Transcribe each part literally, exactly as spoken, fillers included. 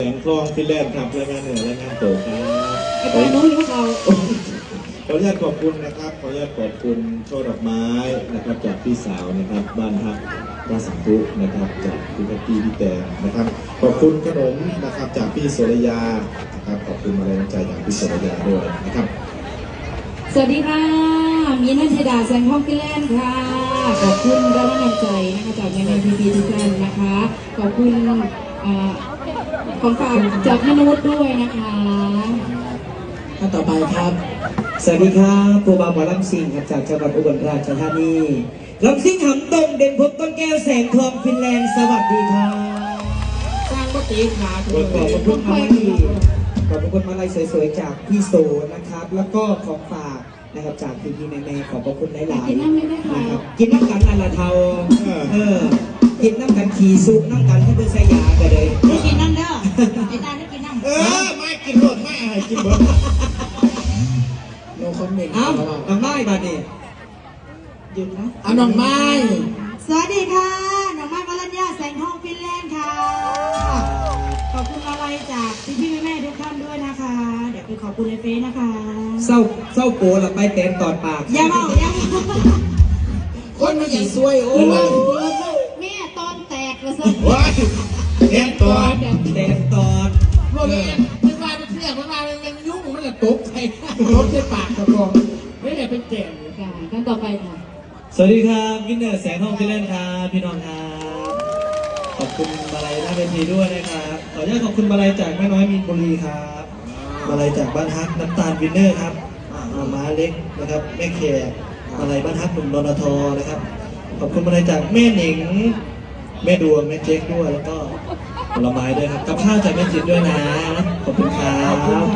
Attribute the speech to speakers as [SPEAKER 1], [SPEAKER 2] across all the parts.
[SPEAKER 1] แสงทองฟินแลนด์ครับรายงานเหนือรายงานโตครับ
[SPEAKER 2] ไอ้ตาโน้นหรือเขา
[SPEAKER 1] ขออนุญาตขอบคุณนะครับขออนุญาตขอบคุณช่อดอกไม้นะครับจากพี่สาวนะครับบ้านฮักราสังทุนะครับจากพี่กัตตี้พี่แตงนะครับขอบคุณขนมนะครับจากพี่โสรยานะครับขอบคุณมาแรงใจจากพี่โสรยาด้วยนะครับ
[SPEAKER 2] สวัสดีค่ะมีนันทดาแสงทองฟินแลนด์ค่ะขอบคุณกำลังใจนะคะจากแม่ๆพี่ๆทุกท่านนะคะขอบคุณของฝากจากแม่นุชด้วยนะคะ
[SPEAKER 3] ท่านต่อไปครับสวัสดีครับครูบาหมอลำซิงครับจากจังหวัดอุบลราชธานีลำซิงหำตรงเด่นพบต้นแก้วแสงทองฟินแลนด์สวัสดีครับสร้างวัตถุขาขอบคุณมาลัยขอบคุณมาลัยสวยๆจากพี่โซนะครับแล้วก็ของฝากนะครับจากพี่พี่แม่ๆขอบคุณหลายๆนะครับกินน้ำกันนั่นละเทาเออกินน้ำกันขี่ซุปน้ำกันให้เป็นสยากันเลย
[SPEAKER 2] ไม่กินน้ำเด้อไอ้ตาไม่กินน้ำ
[SPEAKER 1] เออไม่กินรสไม่อะไรกินเบิร์ด
[SPEAKER 3] โนคอมเมนต์เอาน้องไม้บาดนี่หยุดนะเอาน้องไม้
[SPEAKER 2] สวัสดีค่ะน้องไม้วรัญญาแสงทองฟินแลนด์ค่ะขอบคุณอะไรจากพี่พี่แม่ๆทุกท่านด้วยนะคะเดี๋ยวไปขอบคุณในเฟซนะคะ
[SPEAKER 3] เศร้าเศร้าโกหลับไปเต็มตอดปาก
[SPEAKER 2] อย่าบอกอย่า
[SPEAKER 3] คนไม่ใช่ซวยโอ้
[SPEAKER 2] ยแม่ตอนแตกเลยสิ
[SPEAKER 1] ว้ายเต็มตอด
[SPEAKER 3] เต็มตอด
[SPEAKER 4] พวกนี้มันมาเป็นเสี้ยมันมาเป็นยุ่งมันจะตกใครตกใส่ปากกระบอกไม่ได้เป็นแก่
[SPEAKER 2] ค่ะขั้นต่อไปค่ะ
[SPEAKER 3] สวัสดีครับวินเนอร์แสงทองฟินแลนด์ครับพี่น้องครับขอบคุณมาลัยหน้าเวทีด้วยนะครับขออนุญาตขอบคุณมาลัยจากแม่น้อยมีนบุรีครับมาลัยจากบ้านฮักน้ำตาลวินเนอร์ครับมาม้าเล็กนะครับแม่แขกมาลัยบ้านฮักหนุ่มรณทอนะครับขอบคุณมาลัยจากแม่หนิงแม่ดวงแม่เจ๊กด้วยแล้วก็ผลไม้ด้วยครับกับข้าวจากแม่จิตด้วยนะขอบคุณครับ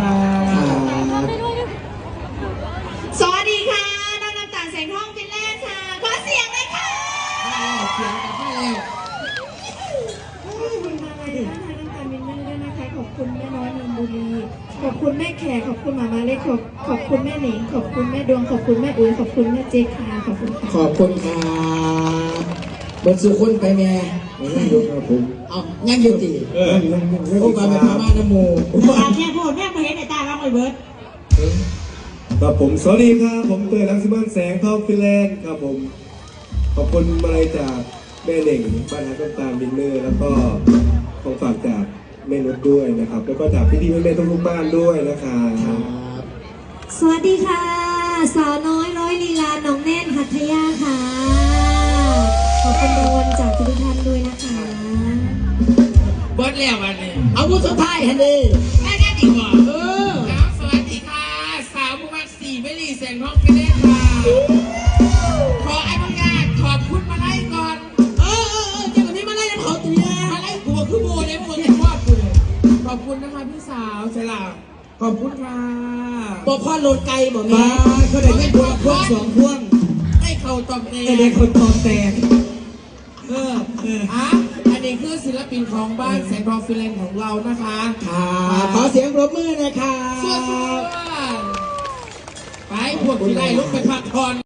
[SPEAKER 2] สวัสดีค่ะน้องน้ำตาลแสงทองฟินแลนด์ค่ะขอเสียงเลยค่ะ
[SPEAKER 4] เสียงกับให้แล้ว
[SPEAKER 2] ขอบคุณมาลัยท่านน้ำตาลวินเนอร์ด้วยนะคะขอบคุณแม่น้อยนนบุรีขอบคุณแม่แขกขอบคุณหมามาเล็กขอบขอบคุณแม่หนิงขอบคุณแม่ดวงขอบคุณแม่อุ้ยขอบคุณแม่เจ๊กค่ะขอบคุณค่ะ
[SPEAKER 3] ขอบคุณครับบนสุขุนไปแม่ไม่ยกครับผมเอายังยุติ
[SPEAKER 1] เออ
[SPEAKER 3] โอ้บาเป็นพม่านะโม
[SPEAKER 2] ตาแค่พูดแม่มาเห็นในตาบ้างเลยเบิร์ด
[SPEAKER 1] ครับผมสวัสดีครับผมเตยรังสิมันแสงทองฟินแลนด์ครับผมขอบคุณมาลัยจากแม่เหน่งบ้านฮักน้ำตาลวินเนอร์แล้วก็ของฝากจากแม่นุชด้วยนะครับแล้วก็จากพี่ๆแม่ๆทุกๆบ้านด้วยนะครับ
[SPEAKER 2] สวัสดีค่ะสาวน้อยร้อยลีลาน้องแน่นหัตถยาค่ะขอบคุณรางวัลจากทุกท่านด้วยนะคะ
[SPEAKER 4] เบิร์ดแล้ววันนี้
[SPEAKER 3] เอาผู้สุดท้ายฮันดี
[SPEAKER 4] ได้แน่ดีกว่าเออสวัสดีค่ะสาวผู้มักสี่ไม่รีแสงทองฟินแลนด์ค่ะขออนุญาตขอบคุณมาไล่ก่อน
[SPEAKER 3] เออเออเออเจ้าหน้าที่มาไล่น้ำเขาตีนะ
[SPEAKER 4] มาไล่กูคือโบเลยโบเลยชอบกูเลยขอบคุณนะคะพี่สาวเสลาขอบคุณค่ะ
[SPEAKER 3] บอกพ่อโหลดไกลบอกมาเขาได้ไม่พวงพวงสองพวง
[SPEAKER 4] ให้เขาตอบแตก
[SPEAKER 3] เด็กคนตอบแตก
[SPEAKER 4] เออเอออ่ะอันนี้คือศิลปินของบ้านแสงทองฟินแลนด์ของเรานะคะ
[SPEAKER 3] ค่ะขอเสียงปรบมือนะคะ
[SPEAKER 4] สวัสดีไปพวกที่ไล่ลุกไปพักผ่อน